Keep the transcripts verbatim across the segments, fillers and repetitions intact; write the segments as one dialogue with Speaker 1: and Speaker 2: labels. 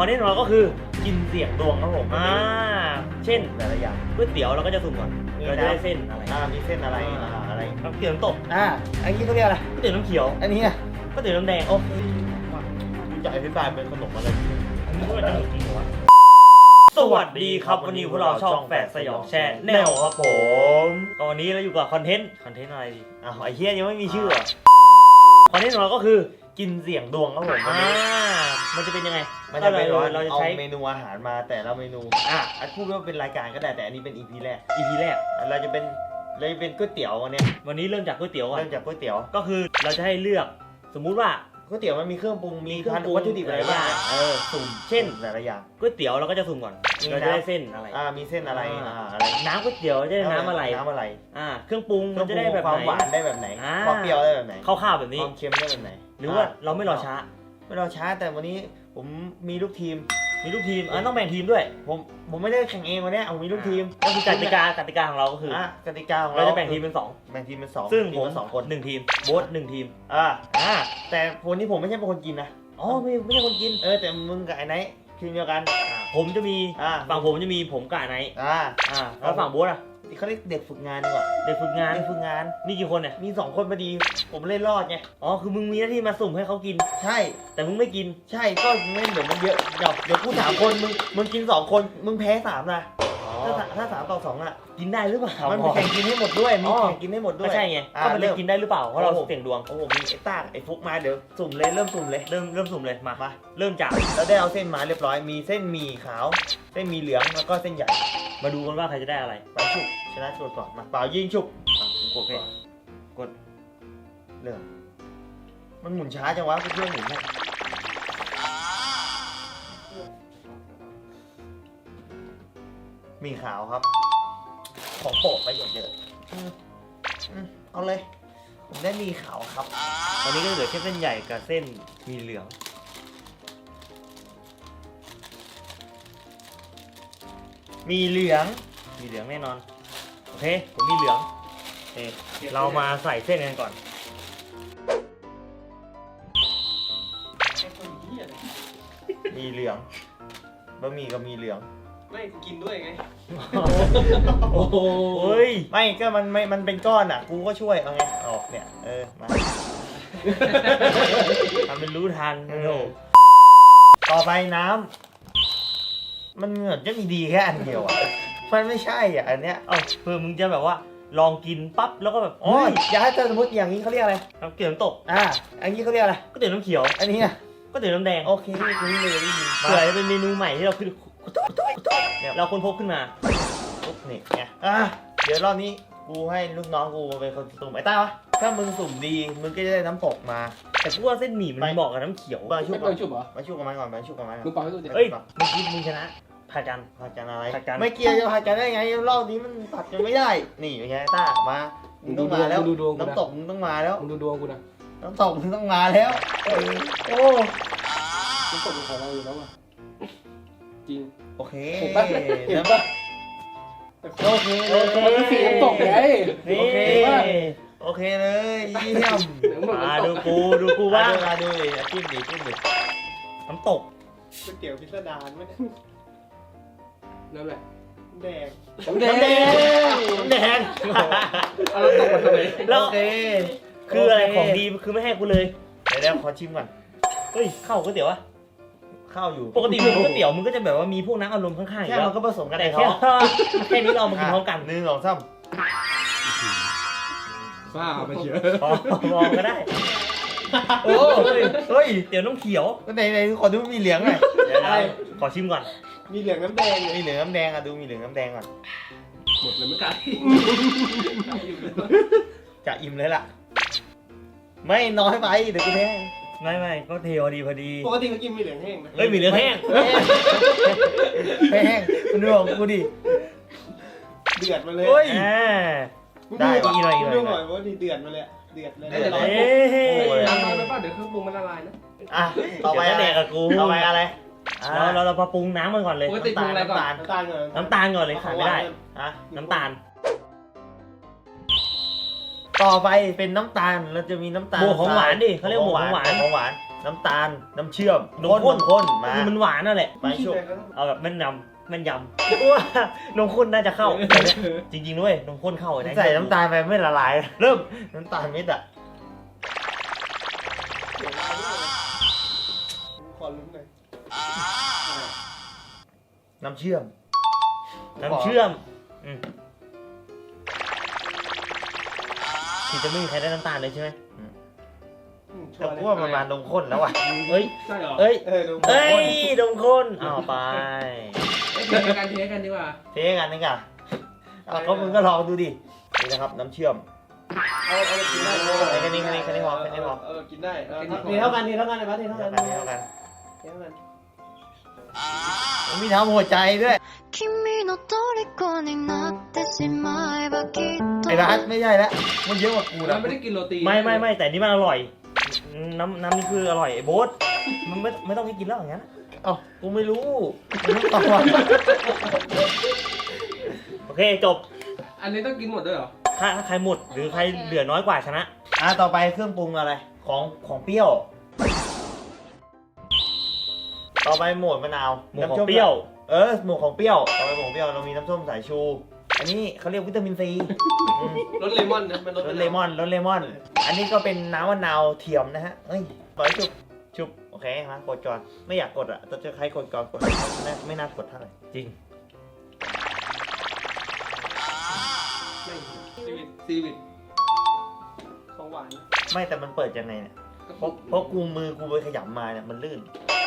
Speaker 1: อนนี้ของเราก็คือกินเสี่ยงดวงครับผมอ่าเช่นแต่ละอย่างก๋วยเตี๋ยวเราก็จะสุ่มก่อนเราจะได้เส้นอะไร
Speaker 2: อ่ามีเส้นอะไรอ่าอะไร
Speaker 1: น้ำเกลือน้ำตก
Speaker 2: อ่าอันนี้เขาเรียกอะไร
Speaker 1: ก๋วยเตี๋ยวน้ำเขียว
Speaker 2: อันนี้อ่ะ
Speaker 1: ก๋วยเตี๋ยวน้ำแดง
Speaker 2: โอเคกูจะอธิบายเป็นขนมอะไร
Speaker 1: อันนี้ก็จะมีจริงเหรอวะสวัสดีครับวันนี้พวกเราช่องแฝดสยองแชร์แนวครับผมก็วันนี้เราอยู่กับคอนเทนต์คอนเทนต์อะไรดี
Speaker 2: อ้าวไอ้เฮียยังไม่มีชื่อ
Speaker 1: คอนเทนต์ของเราก็คือกินเสี่ยงดวงครับผมอ่ามันจะเป็นยังไง
Speaker 2: มันจะเป็นว่า
Speaker 1: เราจะ
Speaker 2: เอา
Speaker 1: ใช้
Speaker 2: เมนูอาหารมาแต่ละเมนูอ่ะอันพูดว่าเป็นรายการก็ได้แต่อันนี้เป็น อี พี แรก
Speaker 1: อี พี แรก
Speaker 2: เราจะเป็นเราจะเป็นก๋วยเตี๋ยววันนี้
Speaker 1: วันนี้เริ่มจากก๋วยเตี๋ยวก่อน
Speaker 2: เริ่มจากก๋วยเตี๋ยว
Speaker 1: ก็คือเราจะให้เลือกสมมุติว่า
Speaker 2: ก๋วยเตี๋ยวมันมีเครื่องปรุงมี
Speaker 1: เครื่องปรุง
Speaker 2: วัตถุดิบอะไรบ้างเออสุ่ม
Speaker 1: เช่น
Speaker 2: แต่ละอย่าง
Speaker 1: ก๋วยเตี๋ยวเราก็จะสุ่มก่อนเราจะได้เส้นอะไร
Speaker 2: อ่ามีเส้นอะไรอ่าอะไร
Speaker 1: น้ำก๋วยเตี๋ยวจะได้น้ำอะไร
Speaker 2: น้ำอะไร
Speaker 1: อ่าเครื่องปรุงมันจะได้แบบ
Speaker 2: ความหวานได้แบบไหนความเปรี้ยวได้แบบไหน
Speaker 1: ข้าวๆแบบนี้
Speaker 2: ความเค็มได้แบบไหน
Speaker 1: หรือว่าเราไม่รอช้า
Speaker 2: ไม่รอช้าแต่วันนี้ผมมีลูกทีม
Speaker 1: มีลูกทีมอ่ะต้องแบ่งทีมด้วย
Speaker 2: ผมผมไม่ได้แข่งเองวันนี้ผมมีลูกทีม
Speaker 1: ก็คือกติกากติกาของเราก็คือ
Speaker 2: อ่ะกติกาของ
Speaker 1: เราจะแบ่งทีมเป็นสอง
Speaker 2: แบ่งทีมเป็นสอง
Speaker 1: ซึ่งผม
Speaker 2: สองคน
Speaker 1: หนึ่งทีมโบ๊ทหนึ่งทีม
Speaker 2: อ่าอ่าแต่คนนี้ผมไม่ใช่เป็นคนกินนะ
Speaker 1: อ๋อไม่ไม่ใช่คนกิน
Speaker 2: เออแต่มึงกับไอ้ไนท์ทีมเดียวกัน
Speaker 1: ผมจะมี
Speaker 2: อ่า
Speaker 1: ฝั่งผมจะมีผมกับไอ้ไนท์
Speaker 2: อ่า
Speaker 1: อ่าแล้วฝั่งโบ๊ทอ่ะ
Speaker 2: เขาเรียกเด็กฝึกงานดีกว่า
Speaker 1: เด็กฝึกงาน
Speaker 2: เด็กฝึกงาน
Speaker 1: มีกี่คนเนี่ย
Speaker 2: มีสองคนพอดีผมเล่นรอดไง
Speaker 1: อ๋อคือมึงมีหน้าที่มาสุ่มให้เขากิน
Speaker 2: ใช่
Speaker 1: แต่มึงไม่กิน
Speaker 2: ใช่ก็เล่นเดี๋ยวมันเยอะเดี๋ยวเดี๋ยวกูสามคนมึงมึงกินสองคนมึงแพ้สามนะถ้าถ้าสามต่อสองอ่ะ
Speaker 1: กินได้หรือเปล่า
Speaker 2: มันแข่งกินให้หมดด้วยมีแข่งกินให้หมดด้วย
Speaker 1: ไม่ใช่ไงก็มันเล่นกินได้หรือเปล่าเพราะเราเสี่ยงดวง
Speaker 2: โอ้โหมีไอ้ต้าไอ้ฟุกมาเดี๋ยวสุ่มเลยเริ่มสุ่มเลย
Speaker 1: เริ่มเริ่มสุ่มเลยมา
Speaker 2: มา
Speaker 1: เริ่มจาก
Speaker 2: เราได้เอาเส้นมาเรียบร้อยมีเส้นหมี่ขาวเส้นหมี่เหลืองแล้วก็เส้นใหญ่
Speaker 1: มาดูกันว่าใครจะได้อะไร
Speaker 2: เป่าฉุบชนะฉุบก่อนมาเป่ายิงฉุบ
Speaker 1: กดก่อนกด
Speaker 2: เริ่มมันหมุนช้าจังวะเพื่อนหมุนเนี่ยหมี่ขาวครับของโปรดประโยชน์เยอะเอาเลยผมได้หมี่ขาวครับ
Speaker 1: ตอนนี้ก็เหลือแค่เส้นใหญ่กับเส้นมีเหลือง
Speaker 2: มีเหลือง
Speaker 1: มีเหลืองแน่นอนโอเคผมมีเหลืองเอ๊เรามาใส่เส้นกันก่อน
Speaker 2: มีเหลืองบะหมี่ก็มีเหลือง
Speaker 3: ไม่กินด้วยไง
Speaker 1: โอ้โห
Speaker 2: ไม่ก็มันไม่มันเป็นก้อนอ่ะกูก็ช่วยเอาไงออกเนี่ยเออมา
Speaker 1: ทำเป็นรู้ทันโอ้
Speaker 2: ต่อไปน้ำมันเหมือนจะมีดีแค่อันเดียวอ่ะมันไม่ใช่อ่ะอันเนี้ย
Speaker 1: เอ้าเพื่อมึงจะแบบว่าลองกินปั๊บแล้วก็แบบ
Speaker 2: โอ้ยอย่าให้เธอสมมติอย่างนี้เขาเรียกอะไร
Speaker 1: น้ำเกลือน้ำตก
Speaker 2: อ่าอันนี้เขาเรียกอะไร
Speaker 1: ก๋วยเตี๋ยวน้ำเขียว
Speaker 2: อันนี้อ่ะ
Speaker 1: ก๋วยเตี๋ยวน้ำแดง
Speaker 2: โอเคนี่เลย
Speaker 1: เผื่อจะเป็นเมนูใหม่ที่เราคือเราคนพบขึ้นมา
Speaker 2: ปุ๊บนี่ไงอ่ะเดี๋ยวรอบนี้กูให้ลูกน้องกูเป็นคนสุ่มไอ้ต้าวะถ้ามึงสุ่มดีมึงก็จะได้น้ำตกมา
Speaker 1: แต่กูว่าเส้นหมี่มันเหมาะกับน้ำเขียว
Speaker 2: มาชุบ
Speaker 3: มาชุบเหรอ
Speaker 2: มาชุบกับมันก่อนมาชุบกับมันก่อน
Speaker 3: มึงเป่าให้ดูดิ
Speaker 1: เฮ้ยเมื่อกี้มึงชนะผัดกัน
Speaker 2: ผัดกันอะไร
Speaker 1: ผัดกัน
Speaker 2: ไม่เกี่ยวจะผัดกันได้ไงรอบนี้มันผัดกันไม่ได้นี่เป็นไงต้ามามึงต้องมาแล้วน้ำตกมึงต้องมาแล้ว
Speaker 3: มึงดูดวงกูนะ
Speaker 2: น้ำตกมึงต้องมาแล้วโอ้
Speaker 3: น้ำตกมึงของเราอยู่แล้วอ่ะจริง
Speaker 2: โอเค
Speaker 3: เห็นปะเห็นปะ
Speaker 2: โอเคโอเค
Speaker 3: มันคือสีน้ำตกไง
Speaker 2: โอเคโอเคเลยเยี่ยม
Speaker 1: มาดูกูดูกูว่า
Speaker 2: มาดูดิจิ้มดิจิ้มดิ
Speaker 1: น้ำตก
Speaker 3: ก๋วยเตี๋ยวพิสดารไม่ได้นั่นแหละแดง
Speaker 2: น้ำแดงน้ำแดง
Speaker 3: เอาน้ำตกมาทำไม
Speaker 1: แล้วโอเคคืออะไรของดีคือไม่ให้กูเลย
Speaker 2: เดี๋ยวเดี๋ยวขอชิมก่อน
Speaker 1: เฮ้ยข้าวก๋วยเตี๋ยวอะ
Speaker 2: ข้าวอยู่
Speaker 1: ปกติมึงก๋วยเตี๋ยวมึงก็จะแบบว่ามีพวกน้ำอารมณ์ข้างๆ
Speaker 2: แค่มันก็ผสมกัน
Speaker 1: แต่แค่แค่นี้เรามากินพร้อมกัน
Speaker 2: หนึ่งสองสาม
Speaker 3: บ้าไปเชียว
Speaker 1: มองก็ได้โอ้เฮ้ยเตี๋ยวน้ำเขียว
Speaker 2: ก็ในในขอดูมีเหลืองหน่อย
Speaker 1: เดี๋ยวขอชิมก่อน
Speaker 3: มีเหลืองน้ำแดง
Speaker 2: มีเหลืองน้ำแดงอ่ะดูมีเหลืองน้ำแดงก่อน
Speaker 3: หมดเลยไม่ไกล
Speaker 2: จะอิ่มเลยล่ะไม่น้อยไปเดี๋ยวกูแพ้
Speaker 1: ไม่ไม่ก็เทพอดีพอดี
Speaker 3: ปกติเขากินมีเหลืองแห้งนะ
Speaker 1: เฮ้ยมีเหลืองแห้ง
Speaker 2: แห้งคุณดูของกูดิ
Speaker 3: เดือดมาเลย
Speaker 2: ได้
Speaker 1: อีกหน่อยอีกหน่อย
Speaker 3: ดูหน่อยว่าดีเดือดมาเลยเดือดเลย
Speaker 2: เดือดเลย
Speaker 3: น้ำร้อนไปป่ะเดี๋ยวเครื่องปรุงมันละลายนะ
Speaker 2: อ่ะต่อไปอะไรกับกูต่อไปอะไร
Speaker 1: เราเราเราปรุงน้ำมันก่อนเลย
Speaker 3: ปกติปรุงอะไรก่อนน้ำตาลก่อน
Speaker 1: น้ำตาลก่อนเลยขาดไม่ได้
Speaker 2: อ่ะ
Speaker 1: น้ำตาล
Speaker 2: ต่อไปเป็นน้ำตาลเราจะมีน้ำตาล
Speaker 1: บวกของหวานดิเขาเรียกบวกของหวาน
Speaker 2: ของหวานน้ำตาลน้ำเชื่อม
Speaker 1: นมข้น
Speaker 2: ข้นมา
Speaker 1: มันหวานนั่นแหละ
Speaker 2: ไปชุบ
Speaker 1: เอาแบบแม่นยำแม่นยำว่านมข้นน่าจะเข้าแต่เนี่ยจริงๆด้วยนมข้นเข้าไอ้
Speaker 2: ใส่น้ำตาลไปไม่ละลาย เริ่มน้ำตาลเม็ดอะ
Speaker 3: ขอลุ้นหน่อย
Speaker 2: น้ำเชื่อม
Speaker 1: น้ำเชื่อมอืมที่จะไม่มีใครได้น้ำตาลเลยใช่ไหม
Speaker 2: แต่กูว่ามันมานมข้นแล้วอ่ะ
Speaker 1: เอ้ย
Speaker 3: ใช่เหรอ
Speaker 1: เอ้ย
Speaker 3: เออดู
Speaker 1: เอ้ยนมข้นเอาไป
Speaker 3: เทกันเทกันดีกว่า
Speaker 2: เทกันนี่ก่ะอ่ะก็มึงก็ลองดูดินี่นะครับน้ำเชื่อม
Speaker 3: เอาเอากินได้
Speaker 2: ไอ้แค่นี้แค่นี้แค่นี้พอแค่นี้พอ
Speaker 3: เออกินได้ทีเท่ากันทีเท่ากันเลยปะทีเท่า
Speaker 2: เท่า
Speaker 3: กั
Speaker 2: กัน นเท่ากัน
Speaker 3: ทีเท่ากัน
Speaker 2: มันมีทำหัวใจด้วย
Speaker 4: 君の虜になってしまえばきっと
Speaker 2: ไอ้รัฐไม่ใช่แล้วมันเยอะกว่ากู
Speaker 3: แล้
Speaker 2: นะ
Speaker 3: วไม่ได้กินโรตี
Speaker 1: ไม่ไม่ไม่แต่นี่มันอร่อย น้ำน้ำนี่คืออร่อยไอ้โบ๊ทมันไม่ไม่ต้องให้กินแล้วอย่างนั้น
Speaker 2: เอ้ากูไม่รู้มึงต้องตอบ
Speaker 1: โอเคจบ
Speaker 3: อันนี้ต้องกินหมดด้วยเหรอ
Speaker 1: ถ้าถ้าใครหมดหรือใครเหลือน้อยกว่าชนะ
Speaker 2: อ่ะต่อไปเครื่องปรุงอะไรของของเปรี้ยว ต่อไปหมวดมะนาว
Speaker 1: หมวดของเปรี้ยว
Speaker 2: เออหมวดของเปรี้ยวต่อไปหมวดของเปรี้ยวเรามีน้ำส้มสายชู อันนี้เขาเรียกวิตามินซีอืม
Speaker 3: รสเลมอนนะมันร
Speaker 2: ร
Speaker 3: ส
Speaker 2: สเลมอนรสเลมอน อันนี้ก็เป็นน้ำมะนาวเทียมนะฮะเอ้ยปล่อยชุบชุบโอเคมากดก่อนไม่อยากกดอ่ะแต่จะใครกดก่อนกดไม่น่าไม่น่ากดเท่าไหร่
Speaker 1: จริง
Speaker 3: ซีวิตซีวิตของหวาน
Speaker 2: ไม่แต่มันเปิดยังไงเนี่ยเพราะเพราะกูมือกูไปขยำมาเนี่ยมันลื่น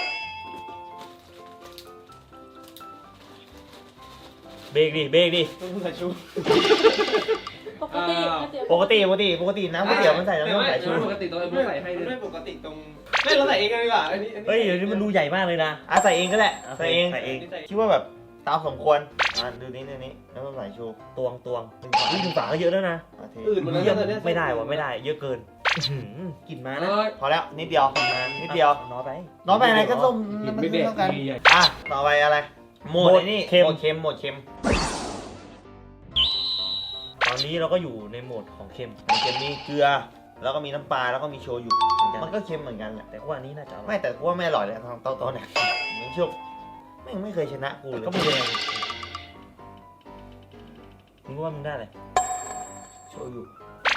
Speaker 1: เบรกดิเบรกดิ
Speaker 3: ต้องใส่ชู
Speaker 5: ปกติก๋วยเตี๋ยว
Speaker 2: ปกติปกติปกติน้ำก๋วยเตี๋ยวมันใส่น้ำส้มสายชู
Speaker 3: ปกติตรงไอ้พวกใส่ให้เลยไม่ปกติตรงไม่เราใส่เองกันดีกว่าอันนี้
Speaker 1: เฮ้ยเดี๋ยวนี้มันดูใหญ่มากเลยนะ
Speaker 2: อ่ะใส่เองก็ได้
Speaker 1: อ่ะ
Speaker 2: ใส่เอง
Speaker 1: ใส่เอง
Speaker 2: คิดว่าแบบตามสมควรอ่ะดูนี้ดูนี้น้ำส้มสายชู
Speaker 1: ตวงตวงอุ้ยถึงฝาก็เยอะแล้วนะ
Speaker 2: อ่ะเท
Speaker 3: อื่นหมดแล้ว
Speaker 1: เยี่ยม
Speaker 3: เนี่ย
Speaker 1: ไม่ได้วะไม่ได้ เยอะเกินอื้อหือกลิ่นมา
Speaker 3: เอ
Speaker 1: นะ
Speaker 3: อ
Speaker 2: พอแล้วนิดเดียว
Speaker 1: กลิ่นมา
Speaker 2: นิดเดียว
Speaker 1: น้อยไป
Speaker 2: น้องไปอะไรก็ส้มมันเท่ากันอ่ะต่อไปอะไรโหมดไอ้นี่
Speaker 1: เค็ม
Speaker 2: โหมดเค็มโหมดเค็ม
Speaker 1: ตอนนี้เราก็อยู่ในโหมดของเค็ม
Speaker 2: โหมดเค็มมีเกลือ แล้วก็มีน้ำปลาแล้วก็มีโชยุ
Speaker 1: เหมือนกัน
Speaker 2: มันก็เค็มเหมือนกันแหละ
Speaker 1: แต่ว่าอันนี้น่าจะอร่อย
Speaker 2: ไม่แต่กูว่าไม่อร่อยเลยทางโต๊ะโต๊ะเนี่ยมึงชุบแม่งไม่เคยชนะกูเลย
Speaker 1: ก็ไม่เป็นไรมึงว่ามึงได้อะไร
Speaker 2: โชยุ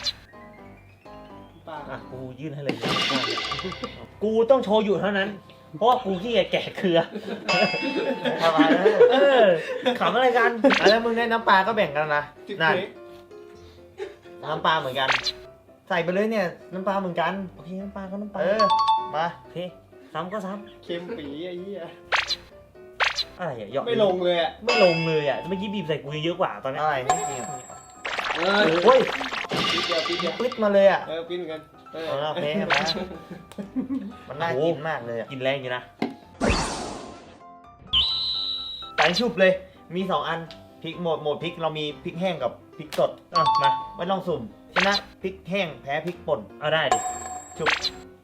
Speaker 3: ปลา
Speaker 1: อ่ะกูยื่นให้เลย กูต้องโชว์อยู่เท่านั้น เพราะว่ากูขี้เกียจแกะเกลือ
Speaker 2: ทำไมนะ
Speaker 1: เออขำอะไรกัน
Speaker 2: อ่ะแล้วมึงได้น้ำปลาก็แบ่งกันนะ
Speaker 3: จิ๊บ
Speaker 2: นั่น
Speaker 3: เค้ก
Speaker 2: น้ำปลาเหมือนกัน ใส่ไปเลยเนี่ยน้ำปลาเหมือนกัน
Speaker 1: โอเคน้ำปลาก็น้ำปลา
Speaker 2: เออมา
Speaker 1: โอเคซ้ำก็ซ้
Speaker 3: เค็มปีไอ้เหี้ย
Speaker 1: ำอะไรอ่ะหยอก
Speaker 3: ไม่ลงเลยอ่ะ
Speaker 1: ไม่ลงเลยอ่ะเมื่อกี้บีบใส่กูเยอะกว่าตอนเนี้ย
Speaker 2: อะไรนี่จริง
Speaker 3: เออ
Speaker 2: เฮ้ย
Speaker 3: ปีเดียวปีเดียว
Speaker 2: ปึ๊ดมาเลยอ่ะ
Speaker 3: เออปีเหมือนกันเออ
Speaker 2: เอาละโอเคมามันน่ากินมากเลยอ่ะ
Speaker 1: กินแรงอยู่นะ
Speaker 2: ใส่ชุบเลย มีสองอันพริกโหมดโหมดพริกเรามีพริกแห้งกับพริกสด
Speaker 1: อ่ะมา
Speaker 2: ไม่ต้องสุ่มชนะพริกแห้งแพ้พริกป่น
Speaker 1: เอาได้ดิ
Speaker 2: ชุบ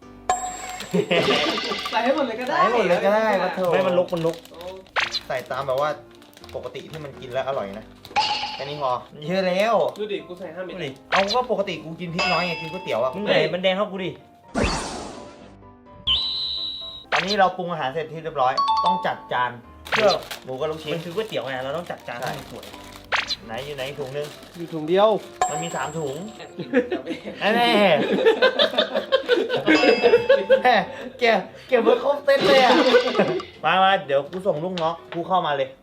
Speaker 3: ใส่ให้หมดเลยก็ได้
Speaker 2: ใส่ให้หมดเลยก็ได้มาเถอะ
Speaker 1: ไม่มันลกมันลก
Speaker 3: โอ้
Speaker 2: ใส่ตามแบบว่าปกติที่มันกินแล้วอร่อยนะแค่นี้พอเยอะแล้ว
Speaker 3: ดูดิกูใส่ห้าเม็ด
Speaker 1: ดูดิ
Speaker 2: เอาก็ปกติกูกินพริกน้อยไงกินก๋วยเตี๋ยวอ่ะ
Speaker 1: มึงไหนมันแดงเข้ากูดิ
Speaker 2: ตอนนี้เราปรุงอาหารเสร็จที่เรียบร้อย ต้องจัดจานเพื่อหมูกับลูกชิ้
Speaker 1: มัน นคือก๋วยเตี๋ยวไงเราต้องจัดจาน
Speaker 2: ใช่
Speaker 1: ให้มันสวย
Speaker 2: ไหนอยู่ไหนถุงนึง
Speaker 3: อยู่ถุงเดียว
Speaker 2: มันมีสามถุงแน่แน่แม่เก็บเก็บไว้ครบเซ็ตเลยอ่ะมามาเดี๋ยวกูส่งลูกน้องกูเข้ามาเลย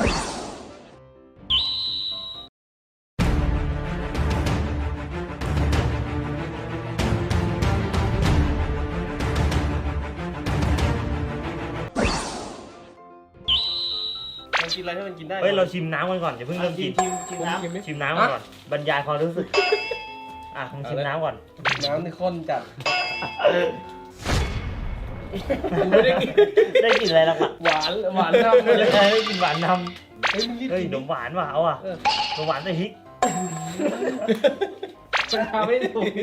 Speaker 3: มันกินอะไรให้มันกินได้
Speaker 1: เฮ้ยเราชิมน้ำกันก่อนอย่าเพิ่งเริ่มกิน
Speaker 2: ชิมชิมน้ำ
Speaker 3: ชิมไหม
Speaker 1: ชิมน้ำกันก่อนบรรยายความรู้สึกอ่ะมึงชิมน้ำก่อน
Speaker 3: น้ำนี่ข้นจัด
Speaker 1: ได้กินได้กินอะไรแล้วอ่ะ
Speaker 3: หวานหวานน้ำ
Speaker 1: ได้
Speaker 3: เลย
Speaker 1: กินหวานน
Speaker 3: เฮ้ยมึงรีบ
Speaker 1: ำเฮ้ย
Speaker 3: กิน
Speaker 1: ขนมหวานว่ะเอาอ่ะ
Speaker 3: เออ
Speaker 1: ขนมหวานใส่พริก
Speaker 3: มันทำไม่ถูก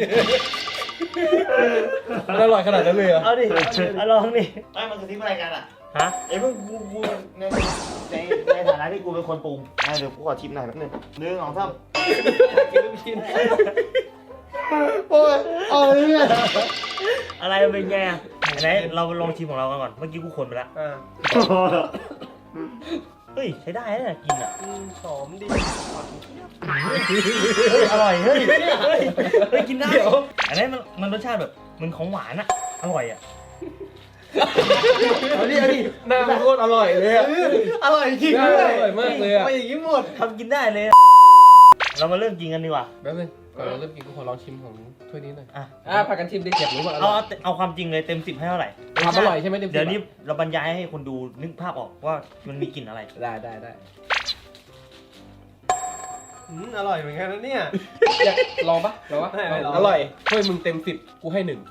Speaker 3: มันอร่อยขนาดนั้นเลยเหรอ
Speaker 1: เอาดิเอาลองดิ
Speaker 2: ไม่มันคือที่อะไรกันอ่ะ
Speaker 1: ฮะ
Speaker 2: เอ้ยมึงกูกูในในในฐานะที่กูเป็นคนปรุงอ่ะเดี๋ยวกูขอชิมหน่อยแป๊บนึงหนึ่งสองสาม
Speaker 3: กินลูกชิ้น
Speaker 2: โอ้ยเอาเลยเนี่ย
Speaker 1: อะไรมันเป็นไงอ่ะไหนเราลองชิมของเรากันก่อนเมื่อกี้กูคนไปแล้ว
Speaker 3: อ่า
Speaker 1: เฮ้ยใช้ได้นะกินอ่ะ
Speaker 3: อืมหอมดี
Speaker 1: เฮ้ยอร่อยเฮ้ยเฮ้ยเฮ้ยกินได้อันนี้มันมันรสชาติแบบเหมือนของหวานอ่ะอร่อยอ่ะ
Speaker 3: เอาดิเอาดิหน้ามันโคตรอร่อยเลยอะ
Speaker 2: อร่อยจริง
Speaker 3: หน้า
Speaker 2: เล
Speaker 3: มันอย ร่อยมากเลยอะ
Speaker 2: ไปอย่างนี้หมด
Speaker 1: ทำกินได้เลยเรามาเริ่มกินกันดีกว่า
Speaker 3: แป๊บนึงก่อนเราเริ่มกินกูขอลองชิมของถ้วยนี้หน่อย
Speaker 1: อ่ะ
Speaker 3: อ่ะพากันชิมดิอยากรู้ว่าอ
Speaker 1: เอา
Speaker 3: ร่อย
Speaker 1: เอาเอาความจริงเลยเต็มสิบให้เท่าไหร่
Speaker 3: ความอร่อยใช่ไหมเต็มสิบ
Speaker 1: เดี๋ยวนี้เราบรรยายให้คนดูนึกภาพออกว่ามันมีกลิ่นอะไร
Speaker 3: ได้ได้ได้อืมอร่อยเหมือนกันนะเนี่ยอยากลองปะลองปะ
Speaker 2: ไม่ไม่ลอง
Speaker 3: อร่อยถ้วยมึงเต็มสิบกูให้หนึ่ง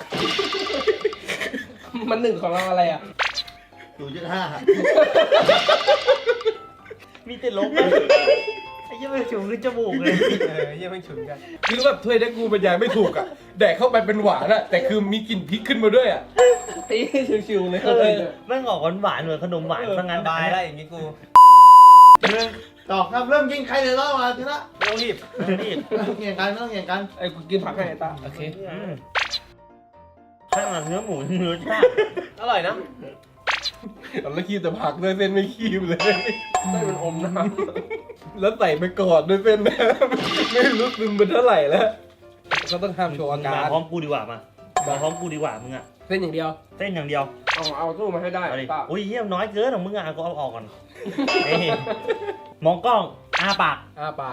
Speaker 3: มันหนึ่งของเราอะไรอ่ะ
Speaker 2: ศูนย์จุดห้า
Speaker 1: มีแต่ลบอะไอ้เหี้ยังไม่ฉุนขึ้นจมูกเลย
Speaker 3: เออเยี่ยมไม่ฉุนกันคือแบบถ้วยนี้กูบรรยายไม่ถูกอ่ะแดกเข้าไปเป็นหวานอ่ะแต่คือมีกลิ่นพริกขึ้นมาด้วยอ่ะตีชิวๆเลย
Speaker 1: เออแม่งออกหวานๆเหมือนขนมหวานซะงั้น
Speaker 3: บายได้อย่างงี้กู
Speaker 2: ต่อครับเริ่มกินใครเลยรอดมาทีละ
Speaker 3: ไม่ต้องรีบ
Speaker 1: นี่
Speaker 2: ไม่ต้องเกี่ยงกันไม่ต้องเกี่ยงกัน
Speaker 3: ไอ้กูกินผักให้ไอ้ตาโอเค
Speaker 1: อืมข้างหลังเนื้อหมูเนื้อชาติ
Speaker 3: อร่อยนะแล้วคีบแต่ผักด้วยเส้นไม่คีบเลยเส้นมันอมน้ำแล้วใส่ไปก่อนด้วยเส้นนะไม่รู้ซึมเป็นเท่าไหร่แล้วก็ต้องห้ามโชว์อาการ
Speaker 1: มาพร้อมกูดีกว่ามามาพร้อมกูดีกว่ามึงอะ
Speaker 3: เส้นอย่างเดียว
Speaker 1: เส้นอย่างเดียว
Speaker 3: เอาเอาตู้มาให้ได้
Speaker 1: เอาดิ
Speaker 3: ตา
Speaker 1: อุ้ยเยี่ยมน้อยเกินของมึงอะกูเอาออกก่อนนี่มองกล้องอ้าปาก
Speaker 3: อ้าปาก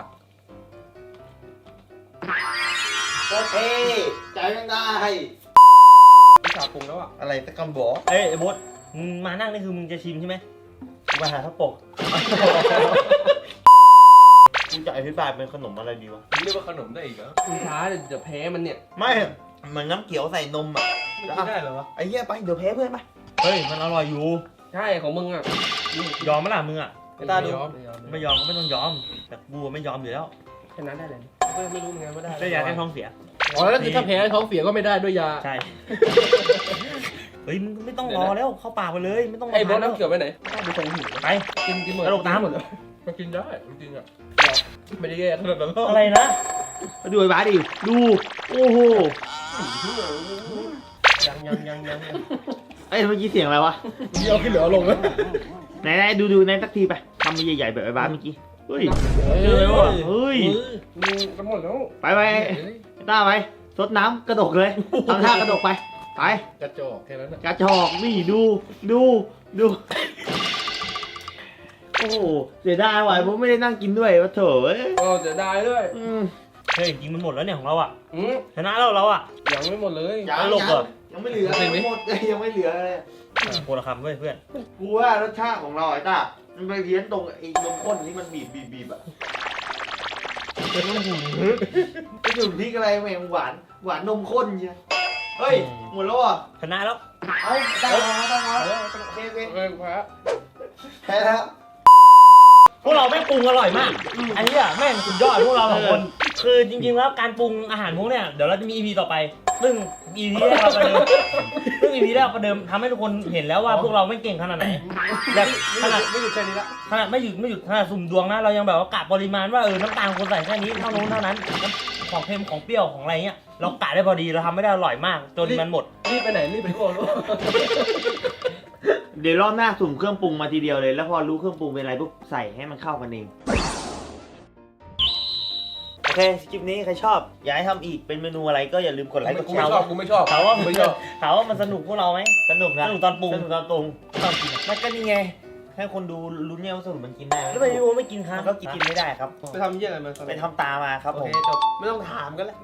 Speaker 2: โอเคใจยังได้
Speaker 3: มีฉาบปรุงแล้วอ่ะ
Speaker 2: อะไรตะกำบอก
Speaker 1: เอ้ยไอ้บดมึงมานั่งนี่คือมึงจะชิมใช่ไหมกูมาหาข้าวปก
Speaker 2: กูจะอธิบายเป็นขนมอะไรดีวะ
Speaker 3: เรียกว่าขนมได้อีกเหรอคุณช้าเดี๋ยวแพ้มันเนี่ย
Speaker 2: ไม่เหมือนน้ำเขียวใส่นมอ่ะ
Speaker 3: มันกินได้เหรอวะ
Speaker 2: ไอ้เหี้ยไปเดี๋ยวแพ้เพื่อนไป
Speaker 1: เฮ้ยมันอร่อยอยู่
Speaker 3: ใช่ของมึงอ่ะ
Speaker 1: ยอมไหมล่ะมึงอะ
Speaker 2: ไม่ได้ดู
Speaker 3: ยอมไม่ยอม
Speaker 1: ไม่ยอมก็ไม่ต้องยอม แต่กูไม่ยอมอยู่แล้ว
Speaker 3: แค่นั้นได้เลยก็ไม่รู้เหมือนกันว่าได้
Speaker 1: ได้ยาแก้ท้องเสีย
Speaker 3: อ๋อแล้วคือถ้าแพ้ท้องเสียก็ไม่ได้ด้วยยา
Speaker 1: ใช่ เฮ้ยมึงไม่ต้องรอแล้วเข้าปากไปเลยไม่ต้องรอ
Speaker 3: ไอ้บอส
Speaker 1: แล้ว
Speaker 3: น้ำเขียวไปไหนดูทรงหิว
Speaker 1: ไป
Speaker 3: กินกินหมด
Speaker 1: กระโดดน้ำ
Speaker 3: หมดเลยมันกินได้จริงๆอ่ะไม่ได้แย่ขนาดนั้นหรอก
Speaker 1: อะไรนะ
Speaker 2: มาดูไอ้บ้าดิดูโอ้โห
Speaker 3: ยังยังยังยัง
Speaker 2: ไอ้เมื่อกี้เสียงอะไรวะ
Speaker 3: เดี๋ยวขึ้นเหลือลงแล้ว
Speaker 2: ไหนไหนดูดูในสักทีไปทำมาใหญ่ๆแบบไอ้บ้าเมื่อกี้เฮ้ย
Speaker 1: เจอแล้วอะเฮ้ย
Speaker 3: มึงกันหมดแล้ว
Speaker 2: ไปไปไอ้ต้าไปซดน้ำกระดกเลยทำท่ากระดกไปไป
Speaker 3: กระจอกแค่นั้นอ่ะ
Speaker 2: กระจอกนี่ดูดูดูโอ้โหเสียดายว่ะผมไม่ได้นั่งกินด้วยวะเถอะเอ้ย
Speaker 3: ก็จะได้ด้วย
Speaker 2: อืม
Speaker 1: เฮ้ยจริงมันหมดแล้วเนี่ยของเราอะ
Speaker 3: อืม
Speaker 1: ชนะแล้วเราอะ
Speaker 3: ยังไม่หมดเลย
Speaker 2: ยัง
Speaker 1: ตลกเหรอ
Speaker 2: ยังไม่เหลือ
Speaker 3: เห็นไหม
Speaker 2: หมดเลยยังไม่เหลือเลย
Speaker 1: โคละคำเว้ยเพื่อน
Speaker 2: กูว่ารสชาติของเราไอ้ต้ามันไปเพี้ยนตรงไอ้นมข้นที่มันบีบบีบบีบอะไอ้จุ่มพริกอะไรแม่งหวานหวานนมข้นเชียเฮ้ยหมดแล้วอ่ะ
Speaker 1: ชนะแล้ว
Speaker 2: เอาได้แล้วได้แล้วโอเคโอเค
Speaker 3: เออแพ้
Speaker 2: แพ้แล้ว
Speaker 1: พวกเราแม่งปรุงอร่อยมากอันนี้อะแม่งสุดยอดพวกเราสองคน คือจริงๆแล้วการปรุงอาหารพวกเนี้ยเดี๋ยวเราจะมี อี พี ต่อไป ซึ่ง อี พี แรกเราประเดิมซึ่ง อี พี แรกประเดิมทำให้ทุกคนเห็นแล้วว่าพวกเราไม่เก่งขนาดไหนแบบขนาด
Speaker 3: ไม่หยุดแค่นี้ละ
Speaker 1: ขนาดไม่หยุดไม่หยุดขนาดสุ่มดวงนะเรายังแบบว่ากะปริมาณว่าเออน้ำตาลควรใส่แค่นี้เท่านู้นเท่านั้นของเค็มของเปรี้ยวของอะไรเงี้ยเรากะได้พอดีเราทำไม่ได้อร่อยมากจนมันหมด
Speaker 3: รีบไปไหนรีบไปโอ้โห
Speaker 2: เดี๋ยวรอบหน้าสุ่มเครื่องปรุงมาทีเดียวเลยแล้วพอรู้เครื่องปรุงเป็นอะไรปุ๊บใส่ให้มันเข้ากันเองโอเคคลิปนี้ใครชอบอยากให้ทำอีกเป็นเมนูอะไรก็อย่าลืมกดไลค์กด
Speaker 3: กู
Speaker 2: แช
Speaker 3: ไม่
Speaker 2: ร์
Speaker 3: ชอบกูไม่ชอบ
Speaker 1: ถามว่า
Speaker 3: กู
Speaker 1: มัน
Speaker 3: ไม่ชอบ
Speaker 1: ถามว่ามันสนุกพวกเราไหม
Speaker 2: สนุกนะ
Speaker 1: สนุกตอนปรุง
Speaker 2: สนุกตอนปรุง
Speaker 1: ตอนกิน
Speaker 2: มันก็นี่ไงให้คนดูรู้เนี่ยว่าสรุปมันกินได้ไหม
Speaker 1: แล้วไปดูไม่กินครั
Speaker 2: มั
Speaker 1: บ
Speaker 2: นก็กินกินไม่ได้ครับ
Speaker 3: ไปทำเยี่ยอะไรมา
Speaker 2: ไปทำตามาครับ
Speaker 3: โอ
Speaker 2: ผม
Speaker 3: เคจบไม่ต้องถามกันแล้ว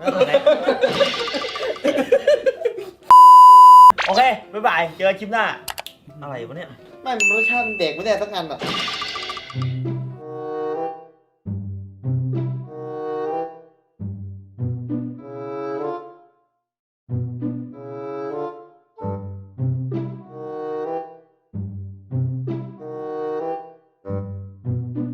Speaker 2: โอเคบ๊ายบายเจอกันคลิปหน้า
Speaker 1: อะไรวะเนี่ย
Speaker 2: ไม่รสชาติเด็กไม่ได้สักอันอ่ะ